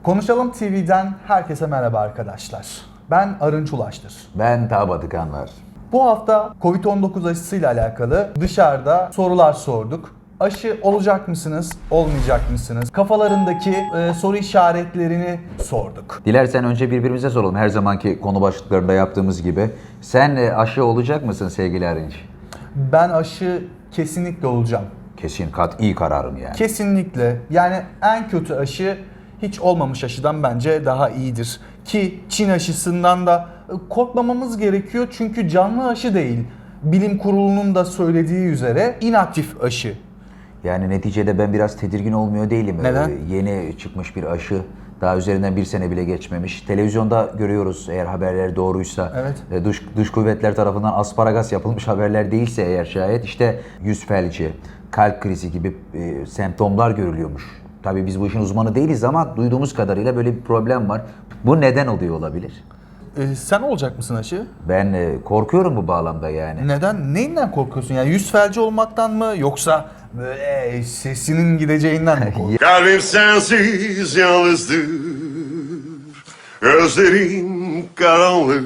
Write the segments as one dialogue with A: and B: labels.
A: Konuşalım TV'den herkese merhaba arkadaşlar. Ben Arınç Ulaştır.
B: Ben Tabat Kanlar.
A: Bu hafta Covid-19 aşısıyla alakalı dışarıda sorular sorduk. Aşı olacak mısınız, olmayacak mısınız? Kafalarındaki soru işaretlerini sorduk.
B: Dilersen önce birbirimize soralım her zamanki konu başlıklarında yaptığımız gibi. Sen aşı olacak mısın sevgili Arınç?
A: Ben aşı kesinlikle olacağım.
B: Kesin iyi kararım yani.
A: Kesinlikle. Yani en kötü aşı hiç olmamış aşıdan bence daha iyidir. Ki Çin aşısından da korkmamamız gerekiyor çünkü canlı aşı değil. Bilim kurulunun da söylediği üzere inaktif aşı.
B: Yani neticede ben biraz tedirgin olmuyor değilim.
A: Neden?
B: Yeni çıkmış bir aşı. Daha üzerinden bir sene bile geçmemiş. Televizyonda görüyoruz eğer haberler doğruysa.
A: Evet.
B: Dış kuvvetler tarafından asparagas yapılmış haberler değilse eğer şayet işte yüz felci, kalp krizi gibi semptomlar görülüyormuş. Tabii biz bu işin uzmanı değiliz ama duyduğumuz kadarıyla böyle bir problem var. Bu neden oluyor olabilir?
A: Sen olacak mısın aşı?
B: Ben korkuyorum bu bağlamda yani.
A: Neden? Neyinden korkuyorsun? Yani yüz felci olmaktan mı yoksa böyle sesinin gideceğinden mi korkuyorsun?
C: Kalbim sensiz yalnızdır, gözlerim karanlık.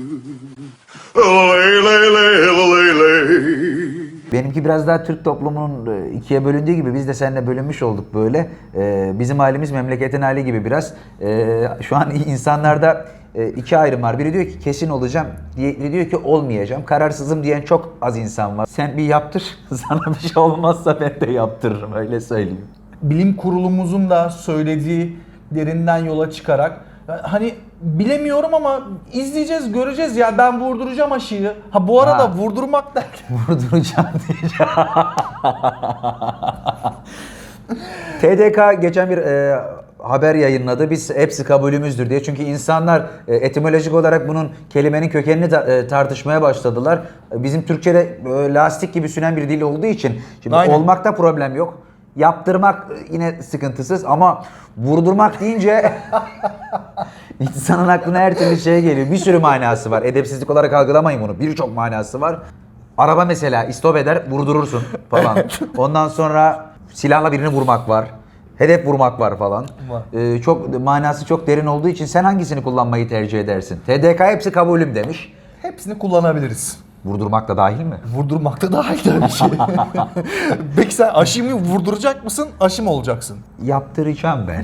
C: Ley ley ley ley ley.
B: Benimki biraz daha Türk toplumunun ikiye bölündüğü gibi biz de seninle bölünmüş olduk böyle. Bizim halimiz memleketin hali gibi biraz. Şu an insanlarda iki ayrım var. Biri diyor ki kesin olacağım, diğeri diyor ki olmayacağım. Kararsızım diyen çok az insan var. Sen bir yaptır, sana bir şey olmazsa ben de yaptırırım öyle söyleyeyim.
A: Bilim kurulumuzun da söylediğilerinden yola çıkarak hani bilemiyorum ama izleyeceğiz, göreceğiz ya ben vurduracağım aşıyı. Ha bu arada vurdurmak derken
B: Vurduracağım diyeceğim. TDK geçen bir haber yayınladı. Biz hepsi kabulümüzdür diye. Çünkü insanlar etimolojik olarak bunun kelimenin kökenini tartışmaya başladılar. Bizim Türkçe'de lastik gibi sünen bir dil olduğu için şimdi
A: Aynen.
B: olmakta problem yok. Yaptırmak yine sıkıntısız ama vurdurmak deyince insanın aklına her türlü şey geliyor. Bir sürü manası var. Edepsizlik olarak algılamayın bunu. Birçok manası var. Araba mesela istop eder, vurdurursun falan. Ondan sonra silahla birini vurmak var. Hedef vurmak var falan. Çok manası çok derin olduğu için sen hangisini kullanmayı tercih edersin? TDK hepsi kabulüm demiş.
A: hepsini kullanabiliriz.
B: Vurdurmak da dahil mi?
A: Vurdurmak da daha iyi tabii ki. Peki sen aşıyı mı vurduracak mısın, aşı mı olacaksın?
B: Yaptıracağım ben.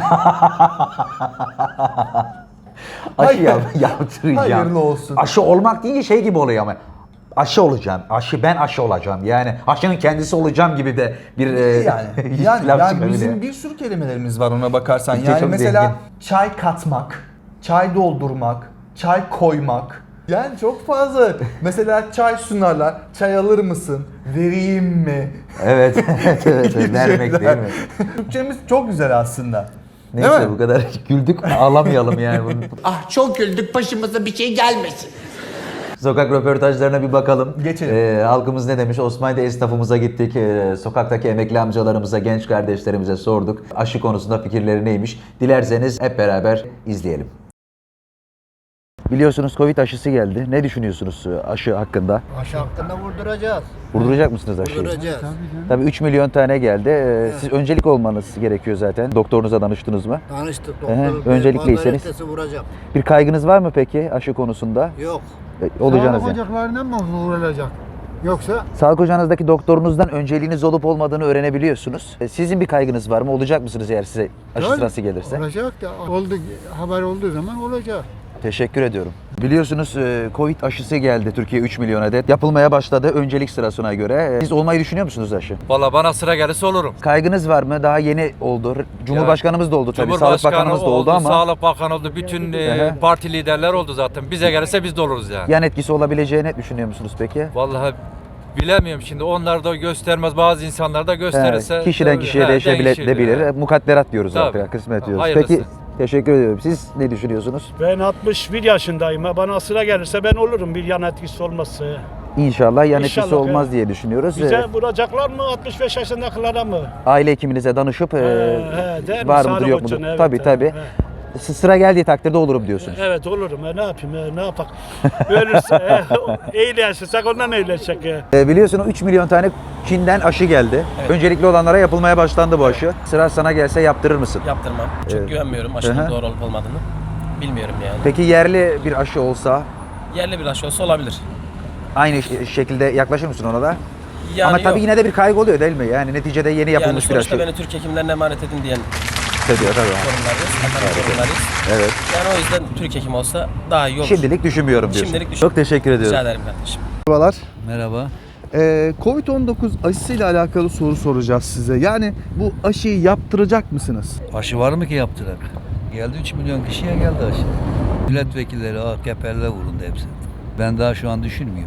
B: Aşı yaptıracağım.
A: Hayırlı olsun.
B: Aşı olmak deyince şey gibi oluyor ama. Aşı olacağım. Ben aşı olacağım. Yani aşının kendisi olacağım gibi de bir
A: Yani
B: laf
A: bizim
B: çıkabiliyor.
A: bir sürü kelimelerimiz var ona bakarsan.
B: Türkçe
A: Yani
B: çok
A: mesela
B: zengin.
A: çay katmak, çay doldurmak, çay koymak. Yani çok fazla. Mesela çay sunarlar. Çay alır mısın? Vereyim mi?
B: Evet, evet,
A: Gibi
B: vermek
A: şeyler.
B: değil mi?
A: Türkçemiz çok güzel aslında. Değil
B: Neyse
A: mi?
B: bu kadar güldük ağlamayalım yani.
D: Ah çok güldük başımıza bir şey gelmesin.
B: Sokak röportajlarına bir bakalım.
A: Geçelim.
B: Halkımız ne demiş? Osmanlı'da esnafımıza gittik. Sokaktaki emekli amcalarımıza, genç kardeşlerimize sorduk. Aşı konusunda fikirleri neymiş? Dilerseniz hep beraber izleyelim. Biliyorsunuz Covid aşısı geldi. Ne düşünüyorsunuz aşı hakkında?
E: Aşı hakkında vurduracağız.
B: Vurduracak mısınız aşıyı?
E: Vurduracağız.
B: Tabii 3 milyon tane geldi. Siz öncelik olmanız gerekiyor zaten. Doktorunuza danıştınız mı?
E: Tanıştık
B: Ehe,
E: doktor.
B: öncelikliyseniz.
E: Pazartesi vuracağım.
B: Bir kaygınız var mı peki aşı konusunda?
E: Yok.
B: Olacağınız
F: Sağlık
B: yani.
F: ocaklarına mı vurulacak? Yoksa
B: Sağlık ocağınızdaki doktorunuzdan önceliğiniz olup olmadığını öğrenebiliyorsunuz. Sizin bir kaygınız var mı? Olacak mısınız eğer size aşı
F: Tabii,
B: sırası gelirse?
F: olacak da oldu, haber olduğu zaman olacak.
B: Teşekkür ediyorum. Biliyorsunuz Covid aşısı geldi Türkiye 3 milyon adet. Yapılmaya başladı öncelik sırasına göre. Siz olmayı düşünüyor musunuz aşı?
G: Valla bana sıra gelirse olurum.
B: Kaygınız var mı? Daha yeni oldu. Cumhurbaşkanımız da oldu tabii. Sağlık
G: Cumhurbaşkanı
B: Bakanımız da oldu ama
G: Sağlık Bakanı oldu. Bütün parti liderler oldu zaten. Bize gelirse biz de oluruz yani.
B: yan etkisi olabileceğini düşünüyor musunuz peki?
G: Vallahi bilemiyorum şimdi. Onlar da göstermez. Bazı insanlar da gösterirse.
B: Kişiden kişiye değişebilir.
G: He.
B: Mukadderat diyoruz
G: Tabii.
B: artık. Kısmet diyoruz.
G: Hayırlısı.
B: Peki teşekkür ediyorum. Siz ne düşünüyorsunuz?
H: Ben 61 yaşındayım. Bana sıra gelirse ben olurum bir yan etkisi olmazsa.
B: İnşallah yan etkisi
H: İnşallah,
B: olmaz
H: evet.
B: diye düşünüyoruz.
H: Bize vuracaklar mı 65 yaşındakilere mı?
B: Aile hekiminize danışıp
H: değil mi?
B: var mıdır
H: Sağlık
B: yok mudur?
H: için, evet,
B: Tabii
H: evet,
B: tabii.
H: evet.
B: sıra geldiği takdirde olurum diyorsunuz.
H: Evet olurum. Ne yapayım? Ne yapak? Ölürse iyileşirsek ondan iyileşecek.
B: Biliyorsun o 3 milyon tane Çin'den aşı geldi. Öncelikli olanlara yapılmaya başlandı bu aşı. Sıra sana gelse yaptırır mısın?
I: Yaptırmam. Çünkü güvenmiyorum aşının doğru olup olmadığını. Bilmiyorum yani.
B: Peki yerli bir aşı olsa
I: Yerli bir aşı olsa olabilir.
B: aynı şekilde yaklaşır mısın ona da?
I: Yani
B: Ama tabii
I: yok.
B: yine de bir kaygı oluyor değil mi? Yani neticede yeni
I: Yani
B: yapılmış bir
I: sonuçta
B: aşı.
I: beni Türk hekimlerine emanet edin diyen
B: Tabii.
I: sorunlarıyız. Sorunlarıyız.
B: Evet.
I: Yani o yüzden Türk hekim olsa daha iyi olur.
B: Şimdilik düşünmüyorum diyorsun.
I: Şimdilik düşün.
B: Çok teşekkür ediyorum.
I: Rica ederim kardeşim.
A: Merhabalar.
J: Merhaba.
A: Covid-19 aşısıyla alakalı soru soracağız size. Yani bu aşıyı yaptıracak mısınız?
J: Aşı var mı ki yaptırak? Geldi 3 milyon kişiye geldi aşı. Milletvekilleri, AKP'liler vuruldu hepsi. Ben daha şu an düşünmüyorum.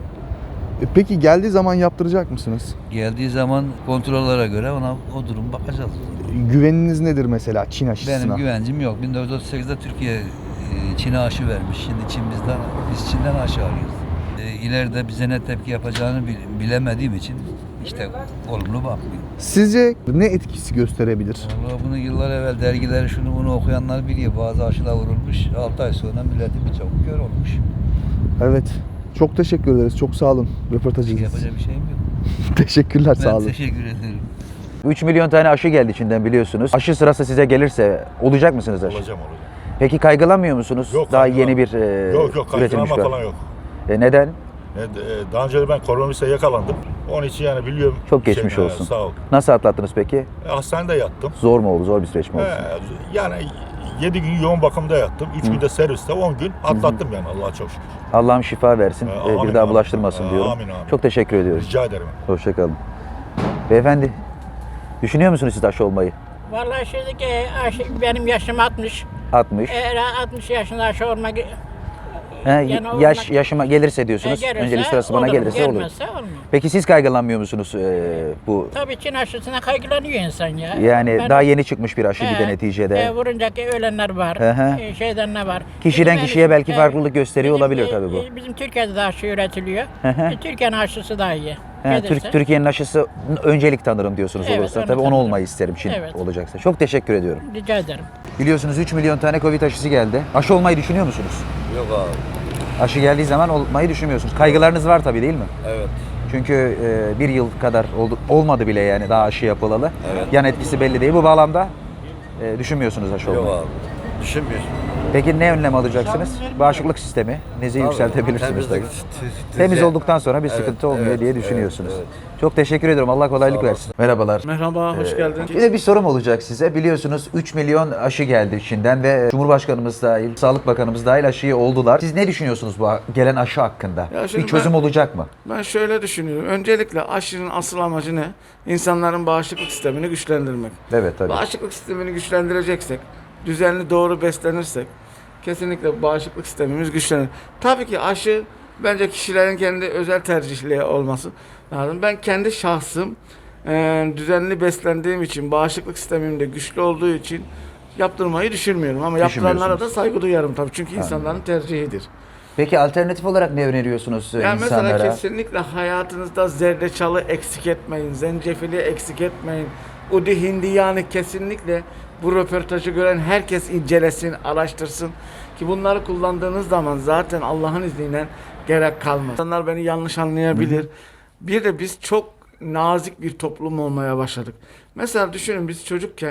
A: Peki geldiği zaman yaptıracak mısınız?
J: Geldiği zaman kontrollere göre ona o durum bakacağız.
A: Güveniniz nedir mesela Çin aşısına?
J: Benim güvencim yok. 1938'de Türkiye Çin'e aşı vermiş. Şimdi biz Çin'den aşı arıyoruz. İleride bize ne tepki yapacağını bilemediğim için işte olumlu bakmıyorum.
A: Sizce ne etkisi gösterebilir?
J: Vallahi bunu yıllar evvel dergileri şunu bunu okuyanlar biliyor. Bazı aşılar vurulmuş. 6 ay sonra milletin birçok kör olmuş.
A: Evet. Çok teşekkür ederiz. Çok sağ olun röportajınız için.
J: Yapacak bir şeyim yok.
A: Teşekkürler, sağ
J: Ben
A: olun.
J: teşekkür ederim.
B: 3 milyon tane aşı geldi Çin'den biliyorsunuz. Aşı sırası size gelirse olacak mısınız aşı?
K: Olacağım.
B: Peki kaygılanmıyor musunuz?
K: Yok,
B: Daha
K: kaygılan-
B: yeni bir
K: Yok
B: üretilmiş
K: kaygılanma
B: var.
K: falan yok.
B: Neden?
K: Daha önce ben koronavirüse yakalandım. Onun için yani biliyorum.
B: Çok geçmiş olsun.
K: Sağ ol.
B: Nasıl atlattınız peki?
K: Hastanede yattım.
B: Zor mu oldu? Zor bir süreç mi oldu?
K: Yani 7 gün yoğun bakımda yattım. 3 günde serviste 10 gün atlattım yani Allah'a çok şükür.
B: Allah'ım şifa versin.
K: Amin,
B: Bir daha
K: amin.
B: bulaştırmasın diyorum.
K: Amin, amin.
B: Çok teşekkür ediyoruz.
K: Rica ederim.
B: Hoşçakalın. Beyefendi, düşünüyor musunuz siz aşı olmayı?
L: Vallahi şimdiki benim yaşım 60.
B: 60.
L: Eğer 60 yaşında aşı olmak yani
B: Yaşıma gelirse diyorsunuz. Öncelik sırası bana gelirse olur.
L: Gelmezse olmuyor.
B: Peki siz kaygılanmıyor musunuz bu?
L: Tabii Çin aşısına kaygılanıyor insan ya.
B: Yani
L: Ben-
B: daha yeni çıkmış bir aşı bir de neticede.
L: Vurunca ki ölenler var.
B: Hı hı.
L: Şeyden ne var.
B: Kişiden
L: Bizim
B: kişiye belki
L: yani-
B: farklılık gösteriyor
L: bizim-
B: olabilir tabii bu.
L: Bizim Türkiye'de de aşı üretiliyor.
B: Hı hı.
L: Türkiye'nin aşısı daha iyi.
B: He,
L: Gelirse.
B: Türkiye'nin aşısı öncelik tanırım diyorsunuz
L: Evet,
B: olursa.
L: onu
B: Tabii onu
L: tanırım.
B: olmayı isterim Çin
L: Evet.
B: olacaksa. Çok teşekkür ediyorum.
L: Rica ederim.
B: Biliyorsunuz 3 milyon tane Covid aşısı geldi. Aşı olmayı düşünüyor musunuz?
I: Yok abi.
B: Aşı geldiği zaman olmayı düşünmüyorsunuz. Kaygılarınız var tabii değil mi?
I: Evet.
B: Çünkü bir yıl kadar olmadı bile yani daha aşı yapılalı.
I: Evet.
B: Yan etkisi belli değil. Bu bağlamda düşünmüyorsunuz aşı olmayı.
I: abi. Düşünmüyorsun.
B: Peki ne önlem alacaksınız? Bağışıklık sistemi. Nezi yükseltebilirsiniz tabii. Temiz olduktan sonra bir sıkıntı olmuyor diye düşünüyorsunuz. Çok teşekkür ediyorum. Allah kolaylık versin. Merhabalar.
H: Merhaba, hoş geldin.
B: Bir de bir sorum olacak size. Biliyorsunuz 3 milyon aşı geldi Çin'den ve Cumhurbaşkanımız dahil, Sağlık Bakanımız dahil aşıyı oldular. Siz ne düşünüyorsunuz bu gelen aşı hakkında?
H: Ya şimdi
B: Bir çözüm olacak mı?
H: Ben şöyle düşünüyorum. Öncelikle aşının asıl amacı ne? İnsanların bağışıklık sistemini güçlendirmek.
B: Evet tabii.
H: Bağışıklık sistemini güçlendireceksek, düzenli doğru beslenirsek kesinlikle bağışıklık sistemimiz güçlenir. Tabii ki aşı bence kişilerin kendi özel tercihleri olması lazım. Ben kendi şahsım düzenli beslendiğim için, bağışıklık sistemim de güçlü olduğu için yaptırmayı düşünmüyorum. Ama yaptıranlara da saygı duyarım tabii. Çünkü insanların tercihidir.
B: Peki alternatif olarak ne öneriyorsunuz
H: Yani
B: insanlara?
H: mesela kesinlikle hayatınızda zerdeçalı eksik etmeyin, zencefili eksik etmeyin. Udi hindiyanı kesinlikle bu röportajı gören herkes incelesin, araştırsın. Ki bunları kullandığınız zaman zaten Allah'ın izniyle gerek kalmaz. İnsanlar beni yanlış anlayabilir. Bir de biz çok nazik bir toplum olmaya başladık. Mesela düşünün biz çocukken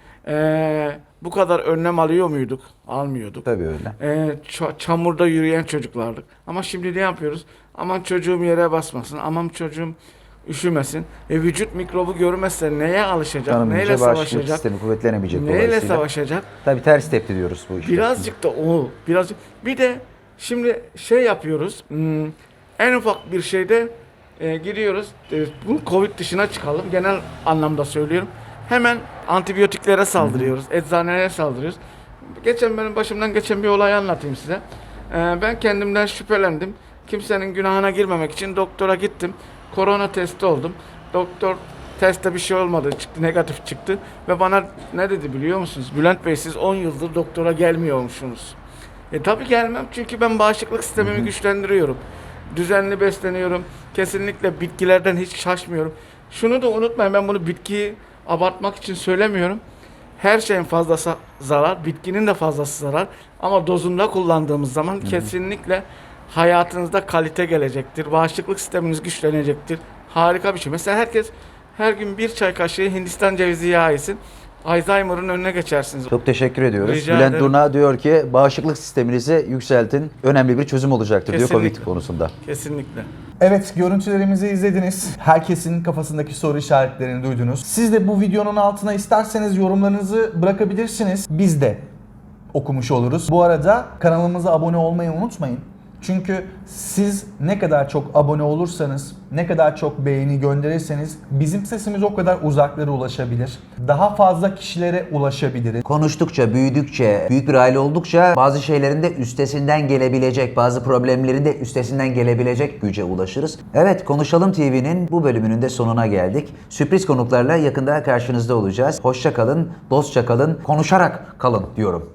H: bu kadar önlem alıyor muyduk? Almıyorduk.
B: Tabii öyle.
H: Çamurda yürüyen çocuklardık. Ama şimdi ne yapıyoruz? Aman çocuğum yere basmasın, aman çocuğum üşümesin. Vücut mikrobu görmezse neye alışacak?
B: Tanımayınca
H: Neyle
B: bağışıklık
H: savaşacak?
B: sistemi kuvvetlenemeyecek
H: Neyle
B: dolayısıyla.
H: savaşacak?
B: Tabii ters tepti diyoruz bu işte.
H: Birazcık da o. Birazcık. Bir de şimdi şey yapıyoruz. En ufak bir şeyde gidiyoruz. Bu Covid dışına çıkalım. Genel anlamda söylüyorum. Hemen antibiyotiklere saldırıyoruz. Eczanelere saldırıyoruz. Geçen benim başımdan geçen bir olayı anlatayım size. Ben kendimden şüphelendim. Kimsenin günahına girmemek için doktora gittim. Korona testi oldum. Doktor testte bir şey olmadı. Çıktı, negatif çıktı. Ve bana ne dedi biliyor musunuz? Bülent Bey siz 10 yıldır doktora gelmiyormuşsunuz. Tabii gelmem çünkü ben bağışıklık sistemimi güçlendiriyorum. Düzenli besleniyorum. Kesinlikle bitkilerden hiç şaşmıyorum. Şunu da unutmayın, ben bunu bitkiyi abartmak için söylemiyorum. her şeyin fazlası zarar, bitkinin de fazlası zarar. Ama dozunda kullandığımız zaman kesinlikle hayatınızda kalite gelecektir. Bağışıklık sisteminiz güçlenecektir. Harika bir şey. Mesela herkes her gün bir çay kaşığı Hindistan cevizi yağı yesin. Alzheimer'ın önüne geçersiniz.
B: Çok teşekkür ediyoruz.
H: Rica
B: Bülent
H: ederim.
B: Durna diyor ki bağışıklık sisteminizi yükseltin. Önemli bir çözüm olacaktır diyor
H: Kesinlikle.
B: Covid konusunda.
H: Kesinlikle.
A: Evet, görüntülerimizi izlediniz. Herkesin kafasındaki soru işaretlerini duydunuz. Siz de bu videonun altına isterseniz yorumlarınızı bırakabilirsiniz. Biz de okumuş oluruz. Bu arada kanalımıza abone olmayı unutmayın. Çünkü siz ne kadar çok abone olursanız, ne kadar çok beğeni gönderirseniz bizim sesimiz o kadar uzaklara ulaşabilir. Daha fazla kişilere ulaşabiliriz.
B: Konuştukça, büyüdükçe, büyük bir aile oldukça bazı şeylerin de üstesinden gelebilecek, bazı problemlerin de üstesinden gelebilecek güce ulaşırız. Evet, Konuşalım TV'nin bu bölümünün de sonuna geldik. Sürpriz konuklarla yakında karşınızda olacağız. Hoşça kalın, dostça kalın, konuşarak kalın diyorum.